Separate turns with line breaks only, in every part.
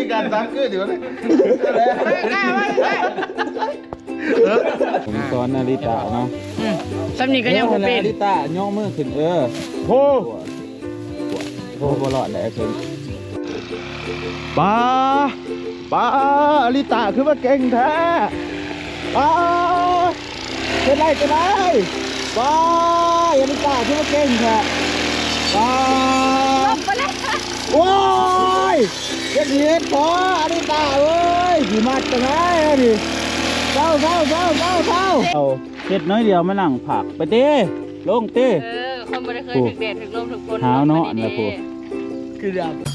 การซักคือเดี๋ยวนี้ผมสอนนาริตะเนาะ
สำนีก็ยังบ่เป็น
นาริตะย่อมือขึ้นโหบ่รอดแล้วคือป้าอลิตะคือว่าเก่งแท้ป้าเป็นไรป้าอลิตะคือว่าเก่งแท้ป้าโอ้ยเย็ดพออลิตะเอ้ยขี่มัดกันไงดิเจ้าเอาเฮ็ดน้อยเดียวมานั่งผักไปเต้ลงเต้
คนบ่ได้เคยถึกแดดถึกลมถึกฝน
หาวเนาะอันละพวก
คือดำ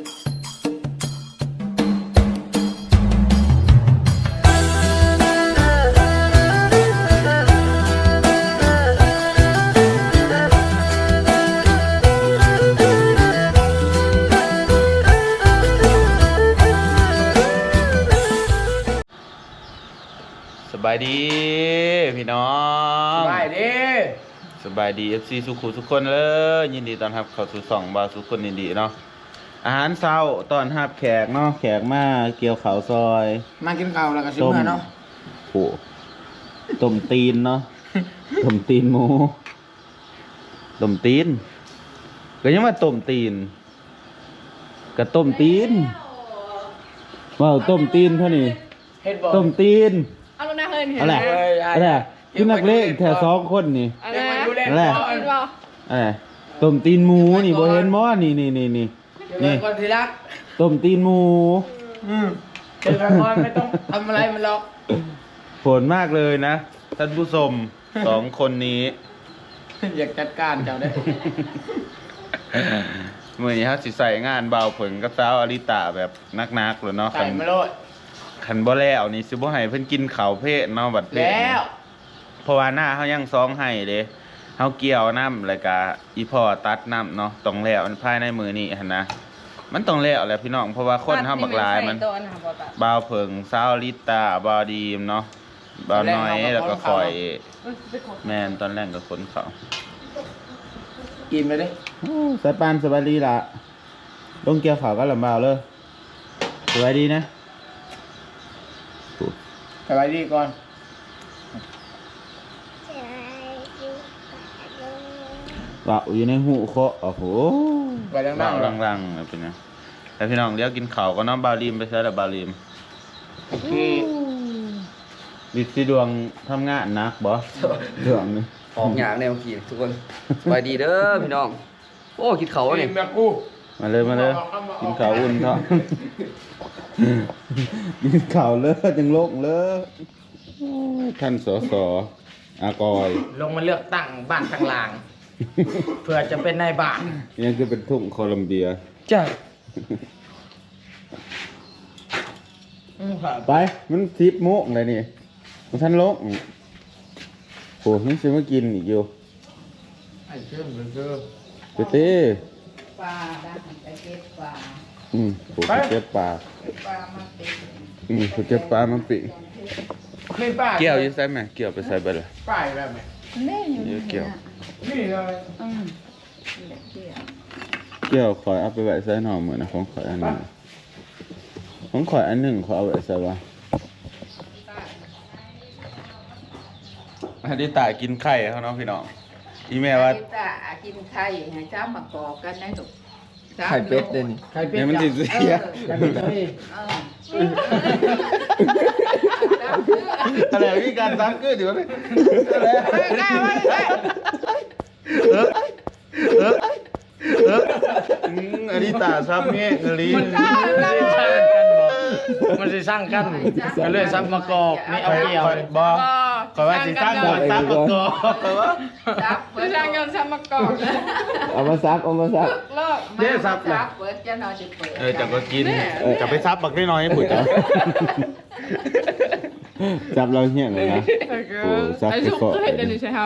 สบายดีพี่น้อง
สบาย
ดี FC สุขุทุกคนเลยยินดีต้อนรับเข้าสู่ช่องบ่าวสุขคนดีเนาะอาหารเช้าต้อนรับแขกเนาะแขกมาเกี่ยวข้าวซอย
มากินข้าวแล้วก็สิมื้อเนาะ
โอ้ต้มตีนเนาะต้มตีนหมูต้มตีนก็ยังว่าต้มตีนก็ต้มตีนว้าวต้มตีนเท่านี้ต้มตีน
เอาลงหน้าเฮิร์นเห็น
อะไรกินนักเล่นแค่2 คนนี่อะไรต้มตีนหมูนี่บ่เห็นบ่นี่
คนที่รัก
ต้มตีนหมู
เจอกันไม่ต้องทำอะไรมันหรอก
ผลมากเลยนะท่านผู้ชม2 คนนี้
อยากจัดการเจ้าได้
มื้อนี้เฮาสิใส่งานเบาผลกับสาวอลิตาแบบนักๆเลยเนาะ
ใส่มาโลด
คันบ่แล้วนี่สิบ่ให้เพิ่นกินข้าวเพลเนาะบัดเพล
แล้ว
เพราะว่าหน้าเฮายังซองให้เด้เฮาเกี่ยวน้ำแล้วก็อีพ่อตัดน้ำเนาะต้องแล้วภายในมื้อนี้หั่นนะมันต้องแล้วแหละพี่น้องเพราะว่าคนเฮาบักหลายมันบ่าวเพิ่งสาวลิตาบ่าวดีมเนาะบ่าวน้อยแล้วก็ข่อยแม่นตอนแรกก็ขนเขา
กินไปดิ
สายปานสบายดีล่ะลงเกี่ยวข้าวก็ลำบากเลยสบายดีนะ
สบายดีก่อน
ว่าอยู่ในหูเคาะโอ้โห
ไปดัง
ๆรังๆเป็นไงแต่พี่น้องเดี๋ยวกินข้าวก็น้องบาลีมไปใช้แล้วบาลีม
โอเค
ดิสิดวงทำงานนักบ่ดวงนี่
ออกหยางแนวกินทุกคนสบายดีเด้อพี่น้องโอ้กินเขาเนี่ย
มาเลยกินข้าวอุ่นเถอะกินข้าวเลิศจังโลกเลิศท่านสสอากอย
ลงมาเลือกตั้งบ้านทางลางเพื่อจะเป็นนายบ้าน
ยังคือเป็นทุ่งโคลัมเบีย
จ้ะ
ไปมัน10 โมงเลยนี่มันท่านโลกโอ้นี่ซื้อมากินอีกอยู่
ไอ้เชื่อ
เต้
ปลาได้ไปเก็บปลา
ผมเก็บปลา
มันปิ
ผมเก็บปลามันปิเกี่ยวยังใส่ไหมเกี่ยวไปใส่ไปเลย
ป้ายแบบไหน
นี่อยู่
เกี่ยว
นี่เลย
เกี่ยวขอเอาไปไว้ใส่หน่อเหมือนนะของขออันนึงขอเอาไว้ใส่ว่าอันนี้ตากินไข่เขาเนาะพี่น้องอีแม่ว่า
กินไข่ให้เจ้ามากอกกันนะลูก
ไข่เป็ดเด่น
ไข่เป็ด
เนี่ยมันติดเสียอะไรพี่การซักคือเดี๋ยวนี้อันนี้ตาซับเงี้ยลิ้น
มันจะสร้างกันก็เลยซับมากอกนี่เอาเกี่ยว
บ่ขอว่าสิสร้างก่อนซับมากอก
จะสร้างกันซับมากอก
เอามาซับ
เดี๋ยวซับเลยเปิดจะนอนจะเปิด
จะก็กินจะไปซับบักน้อยๆปุ๋ยจ้ะซับเราเหี้ยเลยนะโอ้ซับไปก่อน
เห็นเดี๋ยวนี้ใช่ไหม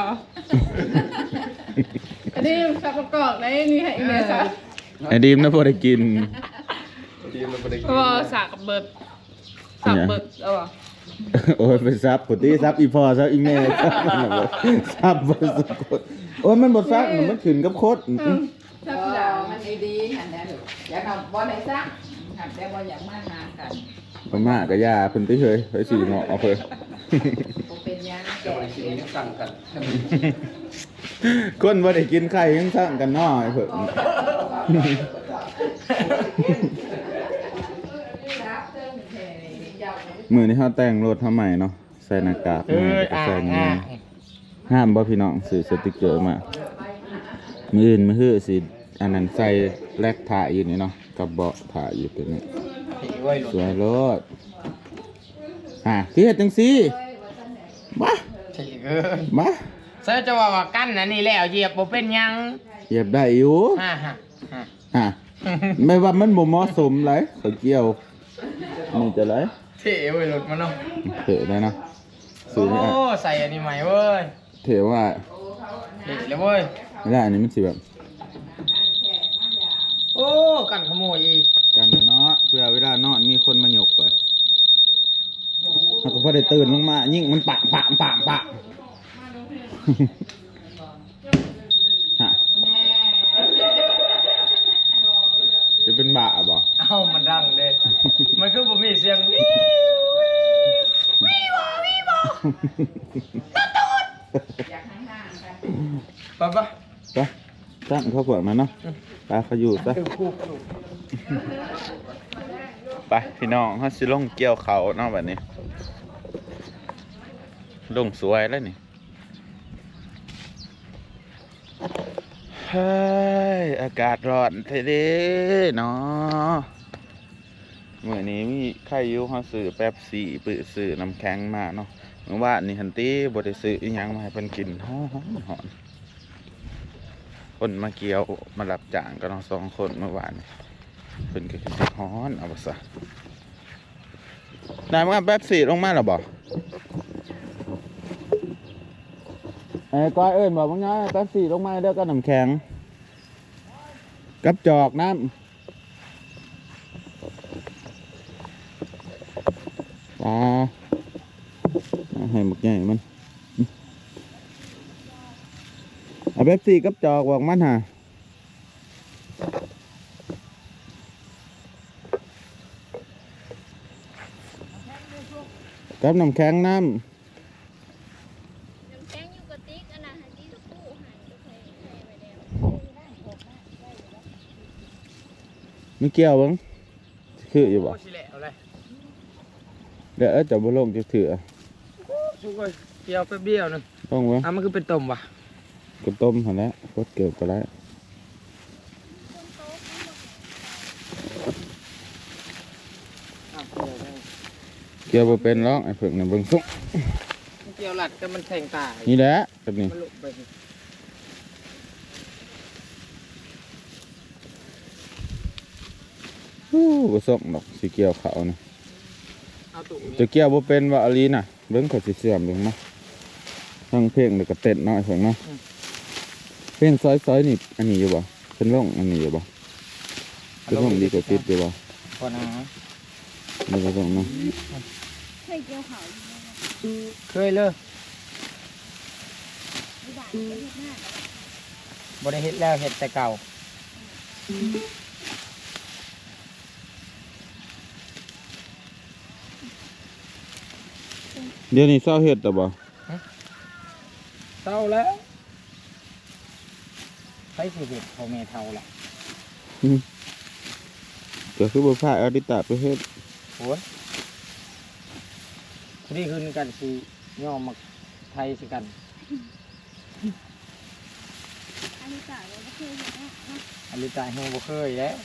อันนี้ซับมากอกในนี่ให้อีเมซับ
ไอ้ดีมนะพอได้กิน
ว่าสากเบิดเอาวะ
โอ้ยไปซับปกติซับอีพอซับอีแม่ซับบ่สุดโอ้ยมันบ่ซักมันขึ้นกับโคตร
ซับแล้วมันดีๆอันนั้นอยากเอาบ่ได้ซักหักแต่ว่าอยากมาหากัน
พม่าก็ยาเพิ่นไปเฮ้ยไปสีเหมาะเอาเพิ่น
บ่เป็นหยัง
เจ้า
แก่
ไอ้สิ่งนี้สั่งกัน
คนบ่ได้กินไข่ยังสั่งกันน้อยเพิ่น มื้อนี้เฮาแต่งรถเฮาใหม่เนาะใส่หน้ากากใส่เงินห้ามบ่พี่น้องซื้อสติกเกอร์มามื้ออื่นมื้อฮื้อสิอันนั้นใส่แลกถ่ายอยู่นี่เนาะกับเบาะถ่ายอยู่ตัวนี้สวยรถคือเฮ็ดจังซี่มา
ถี่เกิน
มา
เสื้อจะว่ากั้นนะนี่แล้วเหยียบบ่เป็นหยัง
เหยียบได้อยู่
ฮ่าฮ่า
ไม่ว่ามันบ่เหมาะสมเลยเขาเกี่ยวนี่จะไร
เท่เว้ยรถมันเนาะ
เถอะได้นะ
โอ้ใส่อันนี้ใหม่เว้ย
เถอะว่า
เท่เลยเว้ย
ไม่ได้อันนี้มันสิแบบ
โอ้กันขโมยอีก
กันเนาะเพื่อเวลานอนมีคนมาหยกไปมันก็พอได้ตื่นลงมายิ่งมันปะฮะจะเป็นบาบ่
เอ้ามันดังเด้มันคือบ่มีเสียงวิวปะ
ไปตั้งเขาเปิดมาเนาะไปเขาอยู่ซะไปพี่น้องเขาสิลงเกี่ยวเขาเนาะแบบนี้ลงสวยแล้วนี่เฮ้ยอากาศร้อนเท่เด้เนาะเมื่อนี้มีใครอยู่เขาซื้อแป๊บซี่ปื้อซื้อน้ำแข็งมาเนาะเมื่อวานนี่ฮันตี้บ่ได้ซื้ออีหยังมาให้เพิ่นกินหอมคนมาเกี่ยวมารับจ้างก็น้อง2 คนเมื่อวานเพิ่นก็คือสิฮ้อนเอาบ่ซะได้มาแป๊บซี่ลงมาแล้วบ่ก้อยเอิ้นบอกว่าไงแป๊บซี่ลงมาเด้อก็น้ำแข็งกับจอกน้ำให้หมกใหญ่มันเอาแป๊บซี่กับจอกบอกมันฮะกับน้ำแข็งน้ำไม่เกี่ยวบ้างคืออยู่บ่
สิแหละเอาเลย
เดี๋ยวจะบ่ลงจะถือ
สุกเลยเกี่ยวไปเบี้ยวนึง
ต้องวะ
มันคือเป็นต้มว่ะ
กระต้มหันแล้วกดเกิดไปแล้วเกี่ยวบ่เป็นหรอกไอ้เพิ่งน่ะเบิ่งสุก
เกี่ยวหลัดก็มันแทงตา
นี่แหละแบบนี้
มันลุกไป
บ่ส่งดอกสิเกี่ยวเขานะ
เอาตุ่ม
จะเกี่ยวบ่เป็นว่าอลีน่ะเบิ่งเขาสิเสื่อมเบิ่งเนาะทั้งเพลงแล้วก็เต้นเนาะไอ้เพิ่งเนาะเพลงซอยๆนี่อันนี้อยู่บ่เพิ่นลงอันนี้อยู่บ่เพิ่นลงดีกว่าติดอยู่บ่
พอนะ
นี่ก็ส่งเนาะ
เคยเกี่ยวเขา
เคยเลยบ่ได้เฮ็ดแล้วเฮ็ดแต่เก่า
เดี๋ยวนี้เศร้าเฮ็ดแต่บ่
เท่าแล้วใช้ชีวิตพ่อแม่เท่าแหละ
ก็คือบ่พาเอาดิตาไปเฮ็ด
โอ้ยนี่คืนกันสิย่อมาไทยสิกัน
อันนี้จ่ายเลยก็คือเห็นไหม
อันนี้ตายเฮงบ่เคยแล้ว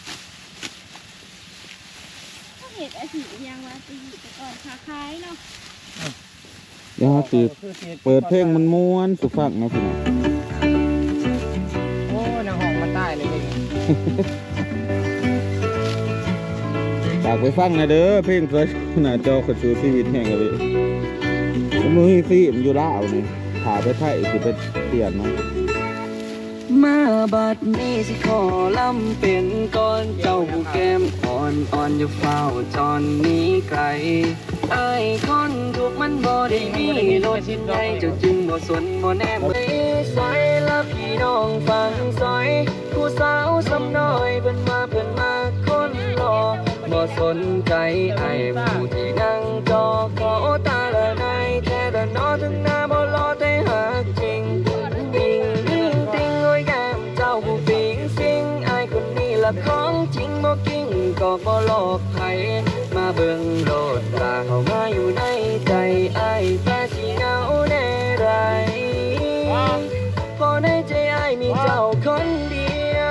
ถ้าเห็นไอ้สียังว่าตีแต่ก่อนขาคล้ายเนาะ
เดี๋ยวสิเปิดเพลงมันม่วนสุฟังเนาะพี่น้อง
โอ้ยนางห้องมันตายเลยนี่
ฝากไปฟังหน่อยเด้อเพลงสวยหน้าจอคนสู่ชีวิตแห่งกันเลยผมมีฟิล์มอยู่ลาวนี่ถ่ายไปไทยสิไปเปลี่ยนเนาะ
มาบัดนี้สิขอลำเป็นก้อนเจ้าผู้แก้มอ่อนอย่าเฝ้าจอนนี้ไกลไอ้คนถูกมันบ่ได้มีโลดชิ้นใดเจ้าจึงบ่สนบ่แนมซอยละพี่น้องฟังซอยผู้สาวสำน้อยเพิ่นมาคนรอสนใจไอ้ผู้ที่นั่งจอขอตาละนายแท้แต่นอถึงหน้าบ่รอแต่หักจริงติงติงติงโอ้ยแก้มเจ้าผู้ปิงซิงไอ้คนนี้ละของจริงบ่กิ้งก็บ่หลอกใครมาเบิ่งโลดตาเข้ามาอยู่ในใจไอ้แค่สิเหงาแน่ไรพอในใจไอ้มีเจ้าคนเดียว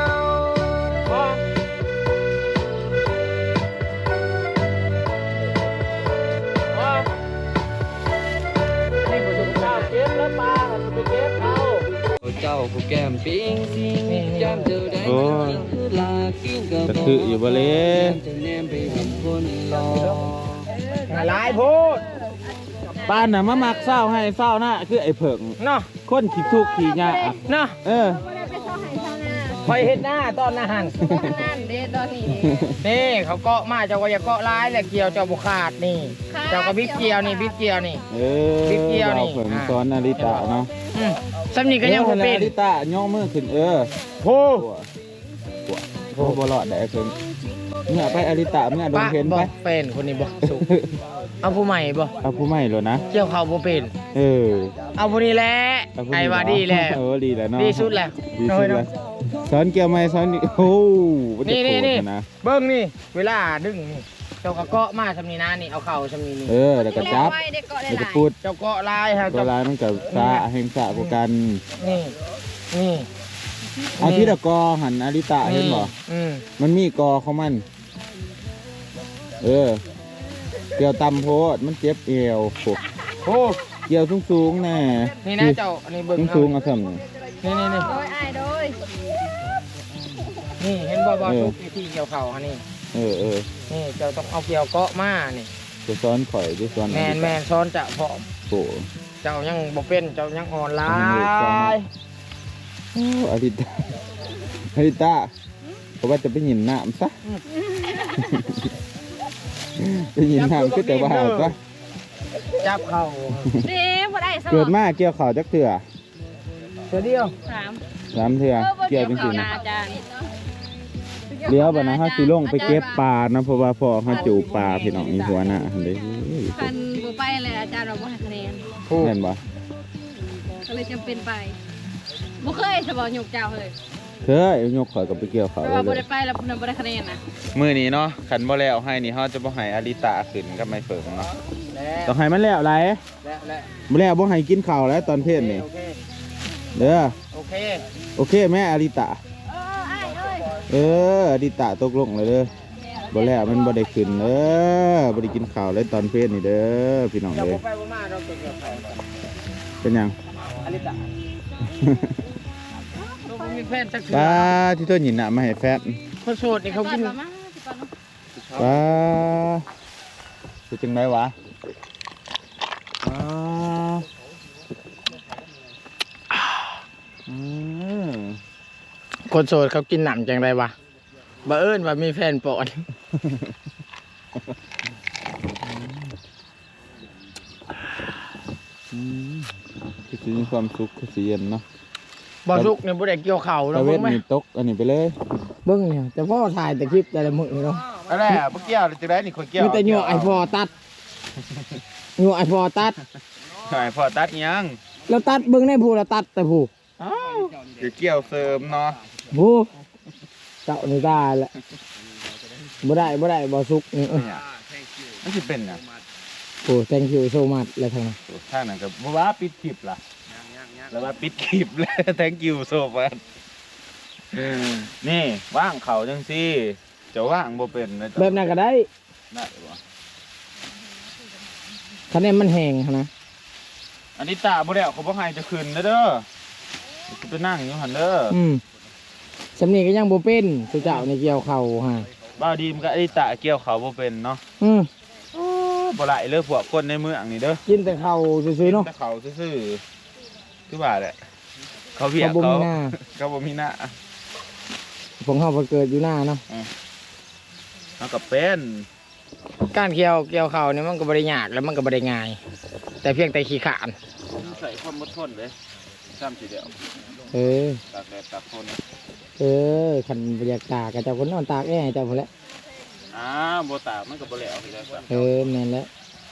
เจ้าผู้แก้มปิ้งซิงแก้มเจอได้คือลากิ้งกับ
จะคืออยู่บ่เลย
จะแนมไปทำคนรอ
หลายพูด
ป้านน่ะมามักเศร้าให้เศร้านะคือไอ้เผิง
เนาะ
คนขี้ทุกข์ขี้ยาก
เนาะ คอยเฮ็ดหน้าตอนอาหาร
นั่นเด้ตอนนี้
นี่เขาเกาะมาเจ้าก็อย่าเกาะร้ายแหละเกี่ยวเจ้าบุขาดนี่ เจ้าก็บิ๊กเกี่ยวนี่บิ๊กเกี่ยวนี่ บิ๊กเกียวนี่
เผิงซ้อนนาริตะเนาะ
สำนีก็ยังบ่เป็น
นาริตะย่อมือขึ้น
โพ
โพบ่รอดได้เพิ่งเมื่อไปอาริตะเมื่อโดนเห็นไป
เป็นคนนี้บ่สุกเอาผู้ใหม่บ่
เอาผู้ใหม่เลยนะ
เกี่ยวเขาบ่เป็น เอาผู้นี้แหละไอ้ว่าดีแหละ
ดีแล้วเนาะ
ดีสุดแหละ
ดีสุดแล้วสอนเกี่ยวไหมสอนโอ้มันจะ
นี่
โกร
นี่
ธนะ
เบิ้งนี่เวลาดึงนี่เจ้าก็เกาะมาสำนีนะนี่เอาเข่าสำนีนี่
แล้วก็จับแล้วก็พูด
เจ้าเกาะลายฮะ
ตัวลายมันกับซาแห่งสะกว่ากัน
นี่นี่
เอาที่ตะกอหันอาริตะเห็นบ่ มันมีกอของมันเกี่ยวต่ำโพดมันเจ็บเอวโอ้เกี่ยวสูงๆแน่
นี่นะเจ้าอันนี้เบิ้ง
สูงๆเอาซ้ำนี่
นี่
โดยอ้ายโดย
นี่เห็นบ่ทุกที่เกี่ยวเข่าอันนี้นี่เจ้าต้องเอาเกี่ยวเกาะมานี่
จะซ้อนข่อยจะซ้อน
แมนซ้อนจะพร้อม
โอ้
เจ้ายังบ่เป็นเจ้ายังอ่อนลาย
อาริตะเพราะว่าจะไปหยินน้ำซะไปหยินน้ำก็แต่ว่าซะ
จับเข่า
เด้บ่ได้สม
เกิดมาเกี่ยวข่าวจักเถื่อ
เดียว
3 เถื่อเกี่ยวจริงๆนะ
อาจารย์
เลี้ยวบ่นะเฮาสิลงไปเก็บปลานะเพราะว่าพ่อเฮาจูบปลาพี่น้องนี่หัวหน้าหั่นเด้
คันบ่ไปเลยอาจารย์เราบ่ให้คะแนน
แม่นบ่
ก็เลยจำเป็นไปบ่เคยสบอยกเจ้าเลย
เคยยกข่อยก็ไปเกี่ยวข่าว
แต่ว่าบ่ได้ไปแล้วเพิ่นบ่ได้คะแนนนะ
มื้อนี้เนาะคันบ่แล้วให้นี่เฮาจะบ่ให้อาริตะขึ้นกับไม้เฟิงเนาะต้องให้มันแล้วหลายบ่แล้วบ่ให้กินข้าวแล้วตอนเพลนนี่เด้อโอเคแม่อาริตะ
อ้ายเอ้ย
อาริตะตกลงเลยเด้อบ่แล้วมันบ่ได้ขึ้นบ่ได้กินข้าวเลยตอนเพลนนี่เด้อพี่น้องเอ้ยเป็นหยัง
อลิตาลูกมีแฟนสักที
ป้าที่ตัวหยินน่ะมาให้แฟน
คนโสดนี่เขากิน
ป้าคือจังไดวะ
คนโสดเขากินหนำจังไรวะบ่เอิ้นว่ามีแฟนปอน
คือมีความสุขคือสิเย็นเนาะ
บ่สุกเนี่ยบ่ได้เกี่ยวเข่า
ตะ
เนาะ
เว
เบิ่
ท
งไหม
นี่ตกอันนี้ไปเลย
เบิ่งเนี่ยแต่พ่อถ่ายแต่คลิปแต่ละมื้อนี่เนาะ
อะไรอ่ะเมื่อกี้จะได้นี่คนเกี่ยว
มีแต่เหงื่อไอพอตัดเหงื่อไอพอตัด
ใช่พอตัดยัง
แล้วตัดเบิ่งในผู้ละตัดแต่ผู้
เดี๋ยวเกี่ยวเสริมเนาะ
ผู้เจ้านี่ได้แหละบ่ได้บ่สุกนี่
มันจะเป็นอ่ะ
โอ้ thank you so much แล้วทางนั้น
ท่านนั่นก็บ่ว่าปิดคลิปล่ะแล้วว่าปิดคลิปแล้ว thank you so much นี่ว่างเขาจังซี่จะว่างบ่เป็นนะ
แบบนั้นก็ได้
ได้บ่
คะแนนมันแห้งนะ
อันนี้ตาบ่ได้เขาบ่ให้จะขึ้นนะเด้อจะไปนั่งอยู่หั่นเด้อ
สำนีก็ยังบ่เป็นสุเจ้าในเกี่ยวเข่าฮะ
บ้าวดีมก็ไอ้ตาเกี่ยวเขาบ่เป็นเนาะบ่ไหลเลยพวกคนในเมืองนี่เด้อ
กินแต่เข่าซื่อๆเนาะ
แต่เขาซื่อๆคือว่าแหละเขาเวียก
เขาบ่มีหน้า
เขาบ่มีหน้า
ผมเฮาไปเกิดอยู่หน้าเนาะ
เขาก็เป็น
การเกี่ยวเข่าเนี่ยมันก็บ่ได้ยากแล้วมันก็บ่ได้ง่าย แต่เพียงแต่ขี้ขาน
ใส่ความอดทนเลยซ้ำทีเดียวตากแดดตากฝน
คันบรรยากาศกับเจ้าคนนอนตากแอร์เจ้าพุ่นแหละ
อบ่ตากมันก็บ่แล้วพี่ได้ครับ
แม่นแล้ว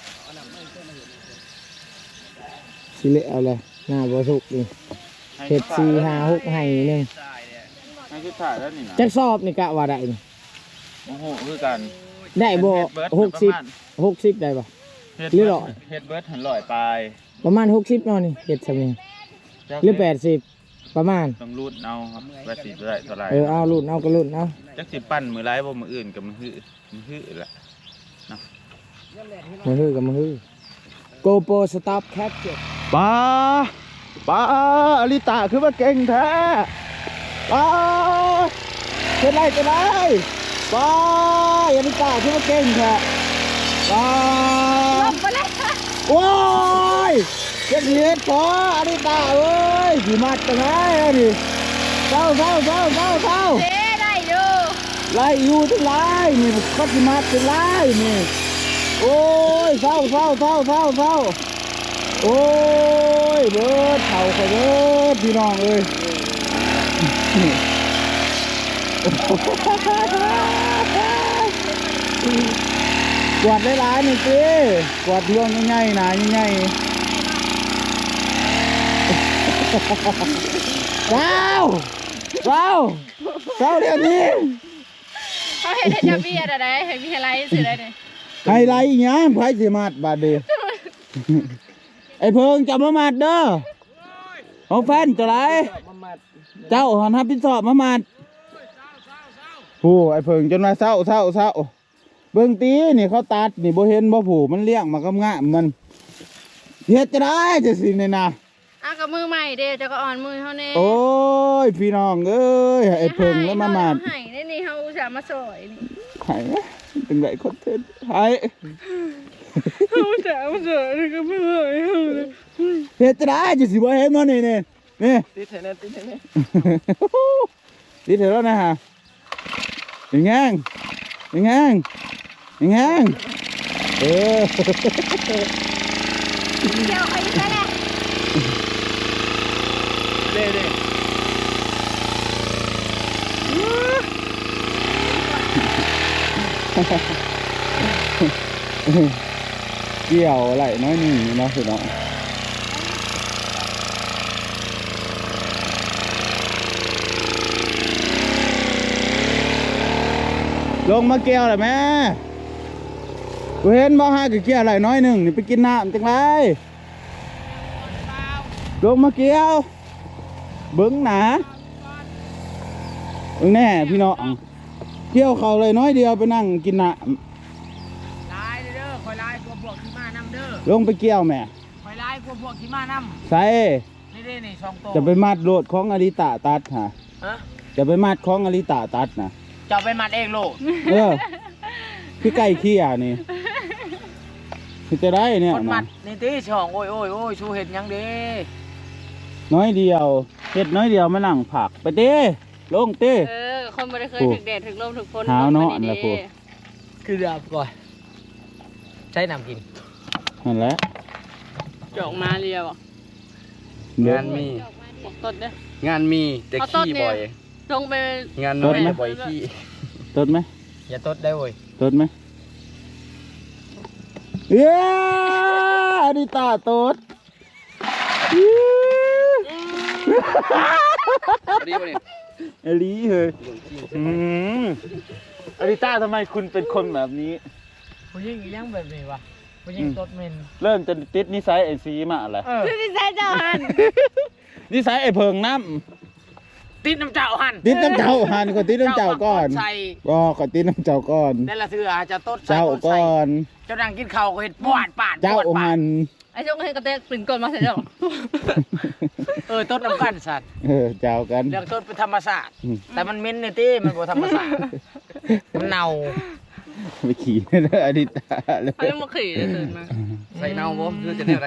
สิเละเอาเลยหน้าบ่สุกนี่เฮ็ด4 5 6ให้นึง
ให้ชุดถ่ายแล้วนี่นะ
จักสอบนี่กะว่าได้นี่
โอ้โหคือกัน
ได้บ่60ได้บ่ หรือร้อย
เฮ็ดเบิร์ดหันลอยปลาย
ประมาณ60เนาะนี่เฮ็ดซำนี้หรือ80ประมาณ
ต้องรูดเอาครับว่าสิได้เท่าไหร่
เอารุ่นเอาก็รุ่นเอา
จักสิปั้นมือไรบ่มืออื่นกับมือหื้อแหละ
มาฮือกับมาฮือ GoPro Stop Capture
ป้าอลิตาคือว่าเก่งแท้ป้าเป็นไรป้าอลิตาคือว่าเก่งแท้ป้าว้ายเจ็ดเหตุพออลิตาเอ้ยผีมัดกันไงนี่เจ้า
เด้ได้อยู่
ไล่อยู่ทั้งไล่นี่ก็ผีมัดเป็นไล่นี่โอ้ยเศร้าโอ้ยเบิดเข่าเขาเบิดพี่น้องเอ้ยกวาดหลายๆนี่สิกวาดร่วงง่ายๆนะง่ายๆเศร้าเดี๋ยวนี้
เขาเห็นให้จะเบียดอะไรให้มีอะไรสื่ออะไรเนี่ย
ไฮไลท์อีกอย่างไพ่สิมาดบาดเดียวไอ้เพิงจับมามัดเด้อของแฟนจะไรเจ้าหันทับพิศอบมามัดผู้ไอ้เพิงจนมาเศร้าเบิ่งตีนี่เขาตัดนี่บ่เห็นบ่ผู้มันเลี้ยงมากำงะมันเฮ็ดจะได้จะสิเนี่ยนะ
กับมือใหม่เด้จะก็อ่อนมือเขาเนี่ย
โอ้ยพี่น้องเอ้ยไอ้เพิงแล้วมามัด
ให้นี่เขาอุตส่าห์มาสวยนี่
หายตึงไหนคอนเทนต์หาย
เขาอุตส่าห์มาสวยนี่ก็ไม่ไหวเลย
เฮ็ดจะได้จะสิบ่เห็นมันนี่ติดเถอะแล้วนะฮะยังไงเออ
เดี๋ยวใครจะได้
เกี่ยวไหลน้อยหนึ่งเนาะสุดเนาะลงมาเกี่ยวเลยแม่กูเห็นบ่ฮะกูเกี่ยวไหลน้อยหนึ่งนี่ไปกินน้ำจังไรลงมาเกี่ยวเบิ้งหนาเบิ้งแน่พี่น้องเกี่ยวเขาเลยน้อยเดียวไปนั่งกินน้ำ
ลายเด้อคอยลายกลัวพวกที่มานำเด้อ
ลงไปเกี่ยวแม่
คอยลายกลัวพวกที่มานำ
ใส่
นี่2ตัว
จะไปมัดโลดของอริตาตัดฮะ
ฮะ
จะไปมัดของอริตาตัดนะ
จะไปมัดเองโลก
พี่ไก่เขี้ยนี่คือจะได้เนี่ย
คนมั
นะ
ดนี่ตีช่องโอ้ยชูเห็ดยังเด้
น้อยเดียวเฮ็ดน้อยเดียวมานั่งผักไปเต้ลงเต้
คนไม่ได้เคยถึงแดดถึงลมถึงฝน
หาวเนาะอันละพวก
คือเดือบก่อนใช้น้ำกิน
นั่นแหละ
จอกมาเรียว
งานมี
ต้นเด้อง
านมีแต่ขี้บ่อย
ลงไป
งานน้อยแต่บ่อยขี้
ตดไหม
อย่าตดได้เว้ย
ตดไหมเย้อริตาตด
ดีป่ะเนี่ย
อลีเฮ้ยอริตาทำไมคุณเป็นคนแบบนี้
ผู้หญิงอีหยังแบบนี้วะผู้หญิงตดเหม็น
เริ่มจะติดนิสัยไอ้ซีมาอะไร
นี่ใช่เจ้าหัน
นิสัยไอ้เพิงน้
ติดน้ำเจ้าหัน
ำติดน้ำเจ้าหันก็ติดน้ำเจ้าก่อน
ใส่
ก็ขอติดน้ำเจ้าก่อน
นั่นละเสือจะตดใส่
เจ้า
ตดใส่
ก่อน
เจ้านั่งกินข้าวก็เห็ดปวดปาด
เจ้า
ปวดปา
หั
ด
น
ไอ้ช่วงให้กระเตกปริ่นก่อนมาเสร็จแล้ว
ตดน้ำกันสัตว์
เจ้ากัน
เรื่องตดเป็นธรรมศาสตร์แต่มันเหม็นนี่ตีมันบ่ธรรมศาสตร์มันเน่า
ไปขี่เลยอดิตาเลย
เขายังมาขี่เลยตื่นมา
ใส่เน่าบ่คือจะได้อะไร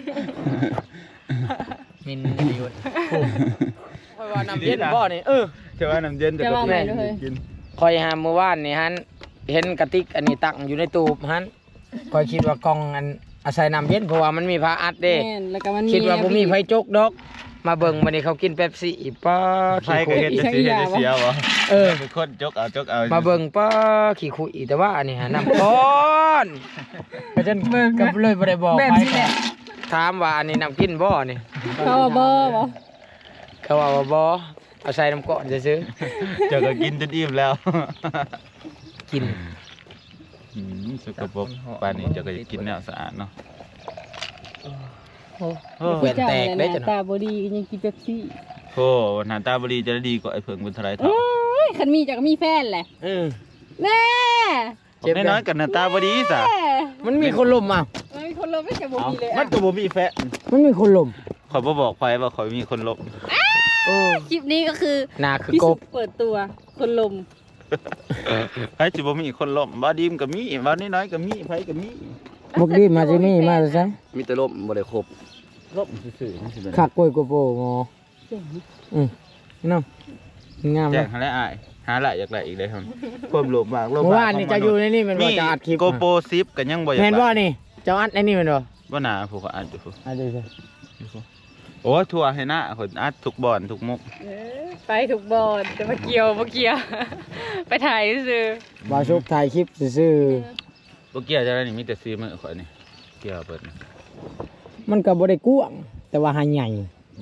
มินดีวะคอยว่าน้ำเย็นบ่นี่
จะว่าน้ำเย็นจะก็กิน
คอยหาเมื่อวานนี่ฮันเห็นกระติกอันนี้ตั้งอยู่ในตู้ฮันคอยคิดว่ากล่องอันอาศัยน้ำเย็นเพราะว่ามันมีผ้าอัดเด้
แล้วก็มัน
คิดว่าบ่มีไฟจกดอกมาเบิ่งวันนี้เขากินเป๊ปซี่ป้า
ใครก็เห็นจะเสียบ่เป็นคนจกเอา
มาเบิ่งป้าขี้คุยแต่ว่าอันนี้ฮะน้ำก้อนก็จนกับเลยบ่ได้บอกไปถามว่าอันนี้น้ำกินบ่นี่
เขาว่าบ่บ่
เขาว่าบ่เอาใส่น้ำก้อนซื้อ
เจ้าก็กินจนอิ่มแล้ว
กิน
สกปรกป่านนี้เจ้าก็จะกินแนวสะอาดเนาะ
แหวนแตกได้จัง
ตาบ่ดีก็ยังกินเป๊ปซี่
โอ้หน้าตาบรีจะได้ดีกว่าไอ้เพิ่งบุญทลายทอ
โอ้
ง
ยคันมีจักมีแฟนแหละแน่
ผมน้อยๆกับหน้าตาบรีซะ
มันมีคนลมอ่ะ
มันมีคนลบไม่ใช่บ่มีเลย
มันก็บ่มีแฟะ
มันมีคนลม
ขอยบ่บอกไผว่าขอยมีคนลบ
คลิปนี้ก็คือ
นาคือ
พี่
ก
สุ
บ
เปิดตัวคนลม
ไผสิบ่มีคนลบบ่ดีมก็มีบ่น้อยๆก็มีไผก็มี
บุกดีมาจิมี่มาซะ
มีแต่ลมบ่ได้ครบ
ลบซื่อๆมันสิเป็น
ขักกล้วยกโปงอน้องงาม
แจ้
นะ
งหาแล้วอ้ายหาหลายอยากได้อีกเลยครับความโลภมากโลภ
เมื่อ
มาก
วานนี่จะอยู่ในนี่มันว่าจะอัดคลิป
โกโปร10ก็ยังบ่อยาก
เห็นว่า
ได้
นี่เจ้าอัดในนี่มันบ่
บ่น่าผู้ก็อัดอยู่ผู้
อัดดูสิ
โอ้ทั่วให้หน้าคนอัดทุกบ่อนทุกมุก
ไปถูกบอลจะมาเกี่ยวมาเกี่ยว ไปถ่ายซื้อ
บ่าวชุบถ่ายคลิปซื่อ
บ่เกี่ยวจะได้นี่มีแต่ซีมือข่อยนี่เกี่ยวเปิดนี่
ๆมันก็บ่ได้กว้างแต่ว่าหาใหญ่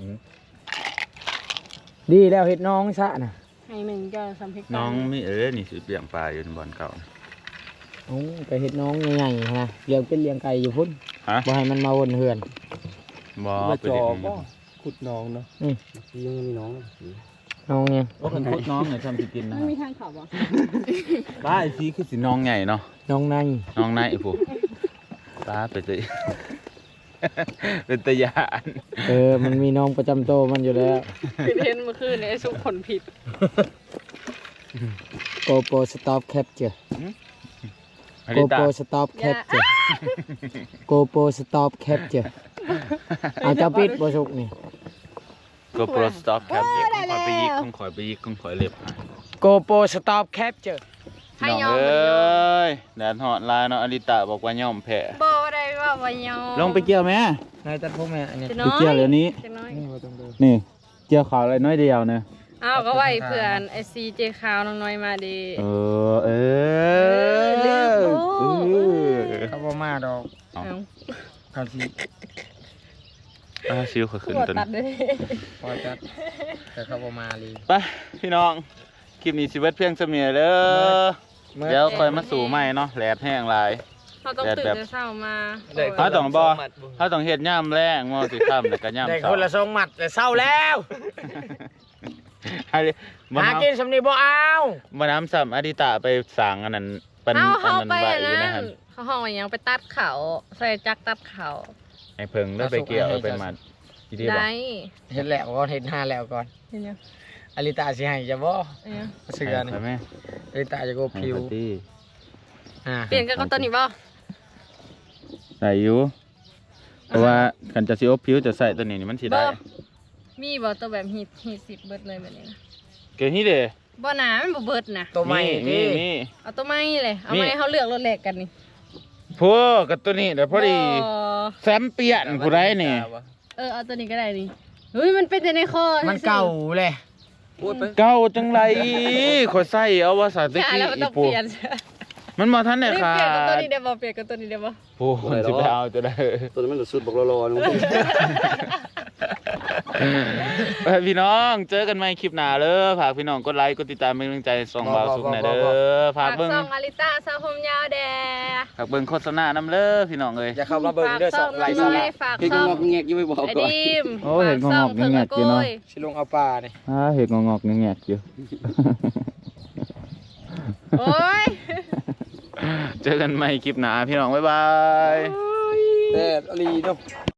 ดีแล้วเฮ็ดน้องซะน่ะ
ให้มันก็สัมผัส
น้องมีนี่สิเลี้ยงปลาอยู่ในบ่อนเก่านะ
โอ้ไปเฮ็ดน้องใหญ่ๆนะเลี้ยงเป็นเลี้ยงไก่อยู่พุ่น
ฮะ
บ่ให้มันมาวนเฮือน
บ่ไป
จ
เด็
อ
ด
ก็ขุดน้องเนาะยังมีน้อง
น้องเนี่ย
ว่าคนพุดน้องเนี่ยทำสิกินนะ
มันมีทางเขาบ่
ปลาไอ้ซีคือสิน้องใหญ่เนาะ
น้องใน
น้องนายไอ้ผู้ปลาไปเลยเป็นตะยาน
มันมีน้องประจำโตวมันอยู่แล้ว
คือเห็นเมื่อคืนเนี่ยไอ้สุกผลผิด
GoPro Stop Capture
อันนี้ตา
GoPro Stop Capture GoPro Stop Capture เอาเจ้าปิดบ่สุกนี่
ก็โปรสต็อปครับเดี๋ยวคอยไปยิกคอยไปยิกคอยเล็บ
GoPro Stop Capture
น้องเอ้ยแดดหอดลายเนาะอลิตาบอกว่าย่อมแพ้
บ่ได้ว่าบ่ยอม
ลงไปเกี่ยวไหม
นายตัดผมแม่อันนี้
จะ
ไป
น้อย
เกี่ยวเดี๋ยวนี้
จะน้อย
นี่บ่ต้องดู
นี่เกี่ยวขาวอะไรน้อยเดียวเนี่ย
อ้าวก็ไว้เพื่อนไอซีเจขาวน้องน้อยมาดี
ลืม
เขาบ่มาดอก
เอา
เขาสิ
ซิวขอขึ้น
บ่
ต้น
ตัดเลย
พอจัดแต่เขาบ่มาลี
ไปพี่น้องคลิปนี้ชีวิตเพียงเสมียเด้อเดี๋ยวคอยมาสู่ใหม่เนาะแหลดแห้งลาย
เราต้องตื่นแต่เช้ามา
เขาต้องเขาต้องเฮ็ดย่ำแรงมอสิค่ำแล้วก็ย่ำ
ได้
เช้า
คนละ2หมัดแต่เศร้าแล้ว
ให้บ่
หา
น้ำ
กินสำนีบ่เอา
บ่น้ำซ้ำอดิตาไปสั่งอันนั้นปัน
เอา
อั
เขา
นนั้น
ไป
ไว้
อัน
อยู่
นั้
นะ
น
ฮะ
เขาห้องอะไรยังไปตัดเขาใส่จักรตัดเขา
ไอ้เพิ่งได้ไปเกี่ยวไปมัดอีดีบ่
ได้
เฮ็ดแล้วก่อนเฮ็ดหน้าแล้วก่อน
เห็นยัง
อลิตาสิให้จะบ่
เห็นยัง
เสือนี่
ไปแม่
อลิตาจะโก
ให้
ผิว
ปาร์ตี้
เปลี่ยนกันกับตัวนี้บ่
ใส่อยู่เพราะว่าคันจะสิอบผิวจะใส่ตัวนี้นี่มันสิได้
มีบ่ตัวแบบฮีท10เบิดเลยแบบนี้นะ
เกิดนี่เด้
บ่หนามันบ่เบิดนะ
ตัวใหม่
มี
ที่
เอาตัวใหม่เลยเอา
มี
ใหม่เขาเลือกรถแรกกันนี่
พวกกับตัวนี้เดี๋ยวพอดี
บ่
แซมเปียนผู้ใดนี่
เอาตัวนี้ก็ได้นี่เฮ้ยมันเป็นแต่ในคอ
มันเก่าเลย
เก่าจังไรขอยใส่เอาว่าสาตะ
ใช่
กี้
แล้วมัน
อี
ต้อง
ปู
เปลี่ยน
มันมาทันได้
เปลี่ยน
ขา
กับตัว
ด
นี้ได้บ่เปลี่ยนกับตัวนี้ได้บ่
ปูสิไปเอาจะได้
ตัวนี้มันสุดบอกรอๆ
ไปพี่น้องเจอกันใหม่คลิปหน้าเด้อฝากพี่น้องกดไลค์กดติดตามเป็นกำลังใจส่องบ่าวสุขหน่อยเด้อฝากเบิ่ง
ซองอาริต้าซาผมยาวแดง
ฝากเบิ่งโฆษณานำเด้อพี่น้องเอ้ย
จะเข้ามาเบิ่งเด้อสองไลฟ์
ซ
สา
อง
ระ
ฝาก
พี่
ซ
ก็
อง
งอกแงกยังไม่บอก
ไอ้
ก่อน
ดิม
โอ้เห็นงอกๆแงกๆอยู่เนาะ
สิลงเอาปลานี่
เห็ดงอกๆแงกๆอยู่
โอ้ย
เจอกันใหม่คลิปหน้าพี่น้องบ๊ายบาย
แต่อลีเนาะ